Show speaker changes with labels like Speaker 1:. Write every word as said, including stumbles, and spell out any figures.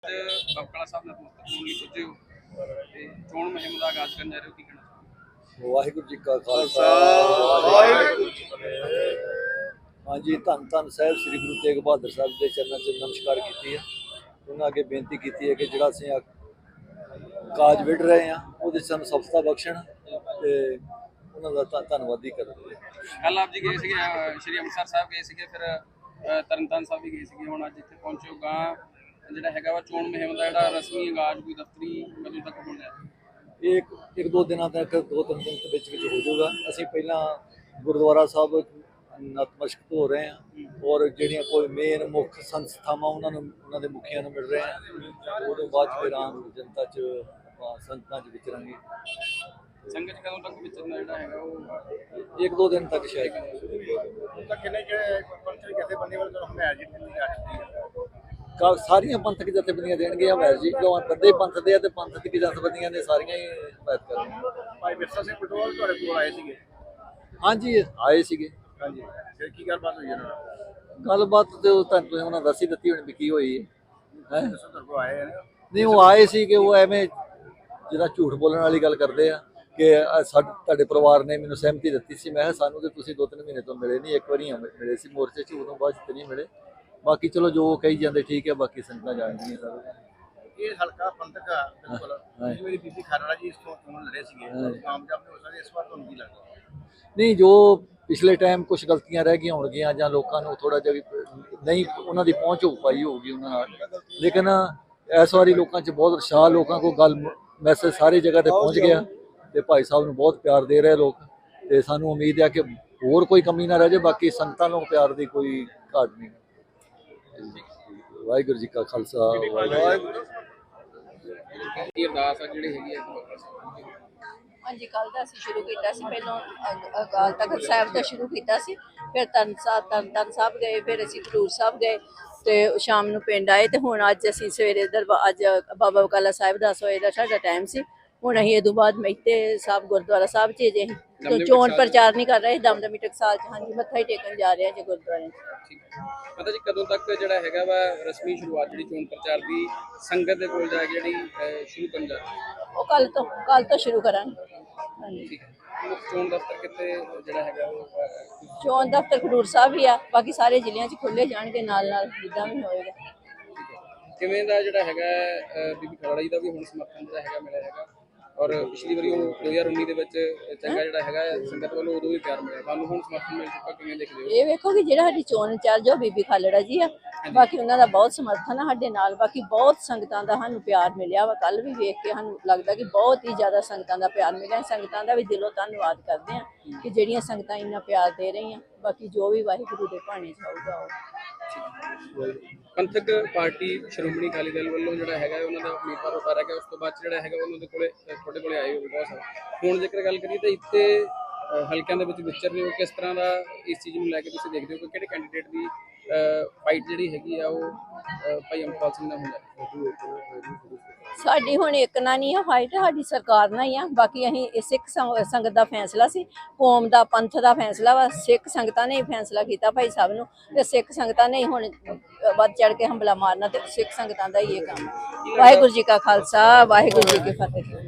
Speaker 1: ਬਕਾਲਾ ਸਾਹਿਬ ਨਤਮਸਤਕ ਹੋਣ ਲਈ ਪੁੱਜੇ ਹੋ ਤੇ ਚੋਣ ਮੁਹਿੰਮ ਦਾ ਆਗਾਜ਼ ਕਰਨ ਜਾ ਰਹੇ ਹੋ, ਕੀ ਕਹਿਣਾ ਚਾਹੋਗੇ?
Speaker 2: ਵਾਹਿਗੁਰੂ ਜੀ ਕਾ ਖਾਲਸਾ ਵਾਹਿਗੁਰੂ ਜੀ ਕੀ ਫਤਿਹ। ਹਾਂਜੀ, ਧੰਨ ਧੰਨ ਸਾਹਿਬ ਸ੍ਰੀ ਗੁਰੂ ਤੇਗ ਬਹਾਦਰ ਸਾਹਿਬ ਦੇ ਚਰਨਾਂ 'ਚ ਨਮਸਕਾਰ ਕੀਤੀ ਹੈ। ਉਹਨਾਂ ਅੱਗੇ ਬੇਨਤੀ ਕੀਤੀ ਹੈ ਕਿ ਜਿਹੜਾ ਅਸੀਂ ਕਾਜ ਵਿੜ ਰਹੇ ਹਾਂ ਉਹਦੇ ਸਾਨੂੰ ਸਫਲਤਾ ਬਖਸ਼ਣ ਤੇ ਉਹਨਾਂ ਦਾ ਧੰਨ ਧੰਨਵਾਦੀ ਕਰਨ।
Speaker 1: ਕੱਲ ਆਪ ਜੀ ਗਏ ਸੀਗੇ ਸ਼੍ਰੀ ਅੰਮ੍ਰਿਤਸਰ ਸਾਹਿਬ ਗਏ ਸੀਗੇ, ਫਿਰ ਤਰਨਤਾਰਨ ਸਾਹਿਬ ਵੀ ਗਏ ਸੀਗੇ, ਹੁਣ ਅੱਜ ਇੱਥੇ ਪਹੁੰਚੇ ਹੋ। ਗਾਂ ਜਿਹੜਾ ਹੈਗਾ ਵਾ ਚੋਣ ਮੁਹਿੰਮ ਦਾ ਜਿਹੜਾ ਰਸਮੀ ਆਗਾਜ਼ ਕੋਈ ਦਫ਼ਤਰੀ ਕਦੋਂ ਤੱਕ ਹੋਣਾ ਹੈ? ਇਹ
Speaker 2: ਇੱਕ ਇੱਕ ਦੋ ਦਿਨਾਂ ਤੱਕ ਦੋ ਤਿੰਨ ਦਿਨ ਦੇ ਵਿੱਚ ਵਿੱਚ ਹੋ ਜਾਊਗਾ। ਅਸੀਂ ਪਹਿਲਾਂ ਗੁਰਦੁਆਰਾ ਸਾਹਿਬ ਨਤਮਸਤਕ ਹੋ ਰਹੇ ਹਾਂ ਔਰ ਜਿਹੜੀਆਂ ਕੋਈ ਮੇਨ ਮੁੱਖ ਸੰਸਥਾਵਾਂ ਉਹਨਾਂ ਨੂੰ ਉਹਨਾਂ ਦੇ ਮੁਖੀਆਂ ਨੂੰ ਮਿਲ ਰਹੇ ਹਾਂ। ਉਹਦੇ ਬਾਅਦ ਫਿਰ ਆਮ ਜਨਤਾ 'ਚ ਆਪਾਂ ਸੰਗਤਾਂ 'ਚ ਵਿਚਰਾਂਗੇ।
Speaker 1: ਸੰਗਤ ਕਦੋਂ ਤੱਕ ਵਿਚਰਨਾ ਜਿਹੜਾ ਹੈਗਾ ਉਹ
Speaker 2: ਇੱਕ ਦੋ ਦਿਨ ਤੱਕ ਸ਼ਾਇਦ।
Speaker 1: ਤਾਂ ਕਿੰਨੇ ਪੰਥਕ ਜਥੇਬੰਦੀਆਂ ਵੱਲੋਂ ਹਮਾਇਤ ਦਿੱਤੀ ਜਾ ਚੁੱਕੀ ਹੈ?
Speaker 2: ਸਾਰੀਆਂ ਪੰਥਕ ਜਥੇਬੰਦੀਆਂ ਦੇਣਗੇ ਹਮਾਇਤ ਜੀ, ਕਿਉਂ ਬੰਦੇ ਪੰਥ ਦੇ ਆ ਤੇ ਪੰਥ ਦੀ ਜਥੇਬੰਦੀਆਂ ਨੇ ਸਾਰੀਆਂ ਹੀ ਹਮਾਇਤ ਕਰਨੀਆਂ।
Speaker 1: ਭਾਈ ਵਿਰਸਾ ਸਿੰਘ ਪਟਵਾਲ ਤੁਹਾਡੇ ਕੋਲ ਆਏ ਸੀਗੇ?
Speaker 2: ਹਾਂਜੀ ਆਏ ਸੀਗੇ।
Speaker 1: ਹਾਂਜੀ, ਫਿਰ ਕੀ ਗੱਲਬਾਤ ਹੋਈ ਉਹਨਾਂ ਨਾਲ?
Speaker 2: ਗੱਲਬਾਤ ਤੇ ਉਹ ਤੁਹਾਨੂੰ ਉਹਨਾਂ ਦੱਸੀ ਦਿੱਤੀ ਹੋਣੀ ਵੀ ਕੀ ਹੋਈ ਹੈ।
Speaker 1: ਦੱਸੋ, ਤੁਹਾਡੇ ਕੋਲ ਆਏ ਨੇ?
Speaker 2: ਨਹੀਂ, ਉਹ ਆਏ ਸੀ ਕਿ ਉਹ ਐਵੇਂ ਜਿਹੜਾ ਝੂਠ ਬੋਲਣ ਵਾਲੀ ਗੱਲ ਕਰਦੇ ਆ ਕਿ ਸਾਡੇ ਤੁਹਾਡੇ ਪਰਿਵਾਰ ਨੇ ਮੈਨੂੰ ਸਹਿਮਤੀ ਦਿੱਤੀ ਸੀ। ਮੈਂ ਕਿਹਾ ਸਾਨੂੰ ਤੇ ਤੁਸੀਂ ਦੋ ਤਿੰਨ ਮਹੀਨੇ ਤੋਂ ਮਿਲੇ ਨਹੀਂ, ਇੱਕ ਵਾਰੀ ਮਿਲੇ ਸੀ ਮੋਰਚੇ 'ਚ, ਉਦੋਂ ਬਾਅਦ 'ਚ ਤੇ ਨਹੀਂ ਮਿਲੇ। ਬਾਕੀ ਚਲੋ ਜੋ ਕਹੀ ਜਾਂਦੇ ਠੀਕ ਹੈ, ਬਾਕੀ ਸੰਗਤਾਂ ਜਾਣਦੀਆਂ ਸਰ।
Speaker 1: ਇਹ ਹਲਕਾ ਪੰਥਕ ਆ ਬਿਲਕੁਲ। ਮੇਰੀ ਬੀਬੀ ਖਾਰਾਲਾ ਜੀ ਇਸ ਤੋਂ ਚੋਣ ਲੜੇ ਸੀਗੇ, ਕਾਮਯਾਬ ਨਹੀਂ ਹੋ ਸਕਦੇ, ਇਸ ਵਾਰ ਤੁਹਾਨੂੰ ਕੀ ਲੱਗਦਾ?
Speaker 2: ਨਹੀਂ, ਜੋ ਪਿਛਲੇ ਟਾਈਮ ਕੁਝ ਗਲਤੀਆਂ ਰਹਿ ਗਈਆਂ ਹੋਣਗੀਆਂ ਜਾਂ ਲੋਕਾਂ ਨੂੰ ਥੋੜਾ ਜਿਹਾ ਨਹੀਂ ਉਹਨਾਂ ਦੀ ਪਹੁੰਚ ਹੋ ਪਾਈ ਹੋਊਗੀ ਉਹਨਾਂ ਨਾਲ, ਲੇਕਿਨ ਇਸ ਵਾਰੀ ਲੋਕਾਂ 'ਚ ਬਹੁਤ ਉਤਸ਼ਾਹ, ਲੋਕਾਂ ਕੋਲ ਗੱਲ ਮੈਸੇਜ ਸਾਰੀ ਜਗ੍ਹਾ ਤੇ ਪਹੁੰਚ ਗਿਆ ਤੇ ਭਾਈ ਸਾਹਿਬ ਨੂੰ ਬਹੁਤ ਪਿਆਰ ਦੇ ਰਹੇ ਲੋਕ ਤੇ ਸਾਨੂੰ ਉਮੀਦ ਹੈ ਕਿ ਹੋਰ ਕੋਈ ਕਮੀ ਨਾ ਰਹਿ ਜਾਏ। ਬਾਕੀ ਸੰਗਤਾਂ ਨੂੰ ਪਿਆਰ ਦੀ ਕੋਈ ਘਾਟ ਨਹੀਂ। ਵਾਹਿਗੁਰੂ ਜੀ ਕਾ ਖਾਲਸਾ ਵਾਹਿਗੁਰੂ
Speaker 1: ਜੀ ਅਰਦਾਸ ਆ ਜਿਹੜੀ ਹੈਗੀ ਹੈ।
Speaker 3: ਹਾਂਜੀ, ਕੱਲ ਦਾ ਅਸੀਂ ਸ਼ੁਰੂ ਕੀਤਾ ਸੀ। ਪਹਿਲਾਂ ਅਕਾਲ ਤਖਤ ਸਾਹਿਬ ਦਾ ਸ਼ੁਰੂ ਕੀਤਾ ਸੀ, ਫਿਰ ਤਰਨ ਸਾਹਿਬ ਤਰਨ ਤਾਰਨ ਸਾਹਿਬ ਗਏ, ਫਿਰ ਅਸੀਂ ਖਡੂਰ ਸਾਹਿਬ ਗਏ ਤੇ ਸ਼ਾਮ ਨੂੰ ਪਿੰਡ ਆਏ ਤੇ ਹੁਣ ਅੱਜ ਅਸੀਂ ਸਵੇਰੇ ਦਰਬਾਰ ਅੱਜ ਬਾਬਾ ਬਕਾਲਾ ਸਾਹਿਬ ਦਸ ਵਜੇ ਦਾ ਸਾਡਾ ਟਾਈਮ ਸੀ। ਹੁਣ ਅਸੀਂ ਇਹ ਤੋਂ ਬਾਅਦ ਮਹਿਤੇ ਸਾਹਿਬ ਗੁਰਦੁਆਰਾ ਸਾਹਿਬ 'ਚ ਜੇ ਅਸੀਂ ਚੋਣ ਪ੍ਰਚਾਰ ਨਹੀਂ ਕਰ ਰਹੇ, ਦਮਦਮੀ ਟਕਸਾਲ 'ਚ ਹਾਂਜੀ ਮੱਥਾ ਹੀ ਟੇਕਣ ਜਾ ਰਹੇ ਹਾਂ ਜੀ ਗੁਰਦੁਆਰੇ 'ਚ।
Speaker 1: ਪਤਾ ਜੀ ਕਦੋਂ ਤੱਕ ਜਿਹੜਾ ਹੈਗਾ ਵਾ ਰਸਮੀ ਸ਼ੁਰੂਆਤ ਜਿਹੜੀ ਚੋਣ ਪ੍ਰਚਾਰ ਦੀ ਸੰਗਤ ਦੇ ਕੋਲ ਜਾ ਕੇ ਜਿਹੜੀ ਸ਼ੁਰੂ ਕਰਨ ਜਾ ਰਹੀ?
Speaker 3: ਉਹ ਕੱਲ ਤੋਂ ਕੱਲ ਤੋਂ ਸ਼ੁਰੂ ਕਰਾਂਗੇ। ਹਾਂਜੀ,
Speaker 1: ਚੋਣ ਦਫ਼ਤਰ ਕਿੱਥੇ ਜਿਹੜਾ ਹੈਗਾ ਉਹ?
Speaker 3: ਚੋਣ ਦਫ਼ਤਰ ਖਡੂਰ ਸਾਹਿਬ ਹੀ ਆ, ਬਾਕੀ ਸਾਰੇ ਜ਼ਿਲ੍ਹਿਆਂ 'ਚ ਖੁੱਲ੍ਹੇ ਜਾਣਗੇ ਨਾਲ ਨਾਲ ਜਿੱਦਾਂ ਵੀ ਹੋਏਗਾ।
Speaker 1: ਕਿਵੇਂ ਦਾ ਜਿਹੜਾ ਹੈਗਾ ਬੀਬੀ ਖਾਰਾਲਾ ਜੀ ਦਾ ਵੀ ਹੁਣ ਸਮਰਥਨ ਜਿਹੜਾ ਹੈਗਾ ਮਿਲਿਆ ਹੈਗਾ, ਔਰ ਪਿਛਲੀ ਵਾਰੀ ਉਹ ਦੋ ਹਜ਼ਾਰ ਉੱਨੀ ਦੇ ਵਿੱਚ ਚੰਗਾ ਜਿਹੜਾ ਹੈਗਾ ਸੰਗਤ ਵੱਲੋਂ ਉਦੋਂ ਵੀ ਪਿਆਰ ਮਿਲਿਆ, ਤੁਹਾਨੂੰ ਹੁਣ ਸਮਰਥਨ ਮਿਲ ਚੁੱਕਾ, ਕਿਵੇਂ ਦੇਖਦੇ ਹੋ? ਇਹ
Speaker 3: ਵੇਖੋ ਕਿ ਜਿਹੜਾ ਸਾਡੀ ਚੋਣ ਇੰਚਾਰਜ ਉਹ ਬੀਬੀ ਖਾਲੜਾ ਜੀ ਆ, ਬਾਕੀ ਉਹਨਾਂ ਦਾ ਬਹੁਤ ਸਮਰਥਨ ਆ ਸਾਡੇ ਨਾਲ। ਬਾਕੀ ਬਹੁਤ ਸੰਗਤਾਂ ਦਾ ਸਾਨੂੰ ਪਿਆਰ ਮਿਲਿਆ ਵਾ, ਕੱਲ ਵੀ ਵੇਖ ਕੇ ਸਾਨੂੰ ਲੱਗਦਾ ਕਿ ਬਹੁਤ ਹੀ ਜ਼ਿਆਦਾ ਸੰਗਤਾਂ ਦਾ ਪਿਆਰ ਮਿਲਿਆ। ਸੰਗਤਾਂ ਦਾ ਵੀ ਦਿਲੋਂ ਧੰਨਵਾਦ ਕਰਦੇ ਆ ਕਿ ਜਿਹੜੀਆਂ ਸੰਗਤਾਂ ਇੰਨਾ ਪਿਆਰ ਦੇ ਰਹੀਆਂ। ਬਾਕੀ ਜੋ ਵੀ ਵਾਹਿਗੁਰੂ ਦੇ ਭਾਣੇ 'ਚ ਆਊਗਾ ਉਹ।
Speaker 1: ਪੰਥਕ ਪਾਰਟੀ ਸ਼੍ਰੋਮਣੀ ਅਕਾਲੀ ਦਲ ਵੱਲੋਂ ਜਿਹੜਾ ਹੈਗਾ ਉਹਨਾਂ ਦਾ ਉਮੀਦਵਾਰ ਉਤਾਰਿਆ ਗਿਆ, ਉਸ ਤੋਂ ਬਾਅਦ ਜਿਹੜਾ ਹੈਗਾ ਉਹਨਾਂ ਦੇ ਕੋਲੇ ਤੁਹਾਡੇ ਕੋਲੇ ਆਏ ਹੋਏ ਬਹੁਤ ਸਾਰੇ। ਹੁਣ ਜੇਕਰ ਗੱਲ ਕਰੀਏ ਤਾਂ ਇੱਥੇ ਹਲਕਿਆਂ ਦੇ ਵਿੱਚ ਵਿਚਰ ਰਹੇ ਹੋ, ਕਿਸ ਤਰ੍ਹਾਂ ਦਾ ਇਸ ਚੀਜ਼ ਨੂੰ ਲੈ ਕੇ ਤੁਸੀਂ ਦੇਖਦੇ ਹੋ ਕਿ ਕਿਹੜੇ ਕੈਂਡੀਡੇਟ ਦੀ ਫਾਈਟ ਜਿਹੜੀ ਹੈਗੀ ਆ ਉਹ ਭਾਈ ਅੰਮ੍ਰਿਤਪਾਲ ਸਿੰਘ ਨਾਲ ਹੁੰਦਾ?
Speaker 3: ਸਾਡੀ ਹੁਣ ਇੱਕ ਨਾਲ ਨਹੀਂ ਆ ਫਾਈਟ, ਸਾਡੀ ਸਰਕਾਰ ਨਾਲ ਹੀ ਆ। ਬਾਕੀ ਅਸੀਂ ਸਿੱਖ ਸੰਗਤ ਦਾ ਫੈਸਲਾ ਸੀ, ਕੌਮ ਦਾ ਪੰਥ ਦਾ ਫੈਸਲਾ ਵਾ, ਸਿੱਖ ਸੰਗਤਾਂ ਨੇ ਹੀ ਫੈਸਲਾ ਕੀਤਾ ਭਾਈ ਸਾਹਿਬ ਨੂੰ, ਤੇ ਸਿੱਖ ਸੰਗਤਾਂ ਨੇ ਹੁਣ ਵੱਧ ਚੜ ਕੇ ਹੰਬਲਾ ਮਾਰਨਾ ਤੇ ਸਿੱਖ ਸੰਗਤਾਂ ਦਾ ਹੀ ਇਹ ਕੰਮ। ਵਾਹਿਗੁਰੂ ਜੀ ਕਾ ਖਾਲਸਾ ਵਾਹਿਗੁਰੂ ਜੀ ਕੀ ਫਤਿਹ।